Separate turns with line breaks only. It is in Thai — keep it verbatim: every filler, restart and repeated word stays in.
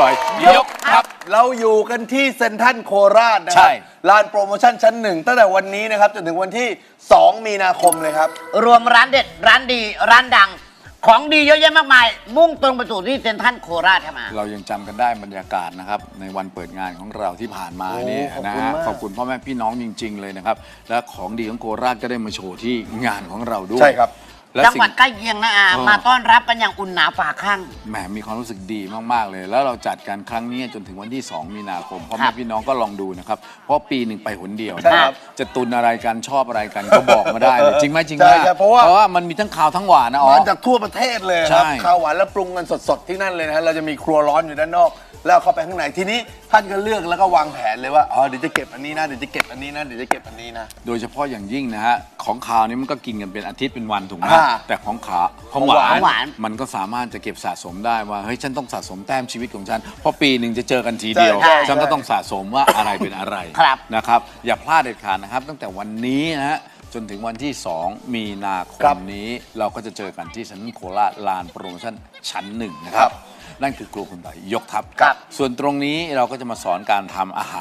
ต่อยยกครับ
เราอยู่กันที่เซ็นทรัลโคราชนะค
ใช่
รับลานโปรโมชั่นชั้นหนึ่งตั้งแต่วันนี้นะครับจนถึงวันที่สองมีนาคมเลยครับ
รวมร้านเด็ดร้านดีร้านดังของดีเยอะแยะมากมายมุ่งตรงไปสู่ที่เซ็นทรัลโคราชครับมา
เรายังจำกันได้บรรยากาศนะครับในวันเปิดงานของเราที่ผ่านมานี่นะฮะขอบคุณพ่อแม่พี่น้องจริง ๆเลยนะครับและของดีของโคราชก็ได้มาโชว์ที่งานของเราด้วย
ใช่ครับ
จังหวัดใกล้เคียงนะอามาต้อนรับกันอย่างอุ่นหนาฝาข้าง
แหมมีความรู้สึกดีมากๆเลยแล้วเราจัดกันครั้งนี้จนถึงวันที่สองมีนาคมพ่อแม่พี่น้องก็ลองดูนะครับเพราะปีหนึ่งไปหนเดียวนะครับจะตุนอะไรกันชอบอะไรกันก็บอกมาได้เลยจริงไหมจริงไหมเพราะว่าเพราะว่ามันมีทั้งข่าวทั้งหวานนะอ๋อ
มาจากทั่วประเทศเลยครับข้าวหวานแล้วปรุงกันสดๆที่นั่นเลยนะฮะเราจะมีครัวร้อนอยู่ด้านนอกแล้วเข้าไปข้างในทีนี้ท่านก็เลือกแล้วก็วางแผนเลยว่าอ๋อเดี๋ยวจะเก็บอันนี้นะเดี๋ยวจะเก็บอันนี้นะเดี๋ยวจะเก็บอันนี้นะ
โดยเฉพาะอย่างยิ่งนะฮะของขาวนี่มันก็กินกันเป็นอาทิตย์เป็นวันถูกไหมแต่ของขาวของหวานมันก็สามารถจะเก็บสะสมได้ว่าเฮ้ยฉันต้องสะสมแต้มชีวิตของฉันเพราะปีหนึ่งจะเจอกันทีเดียวฉันก็ต้องสะสมว่าอะไรเป็นอะไรนะครับอย่าพลาดเด็ดขาดนะครับตั้งแต่วันนี้นะฮะจนถึงวันที่สองมีนาคมนี้เราก็จะเจอกันที่เซ็นทรัลโคราชลานโปรโมชั่นชั้นหนึ่งนะครับนั่นคือครัวคุณต่อยยกทัพส่วนตรงนี้เราก็จะมาสอนการทำอาหาร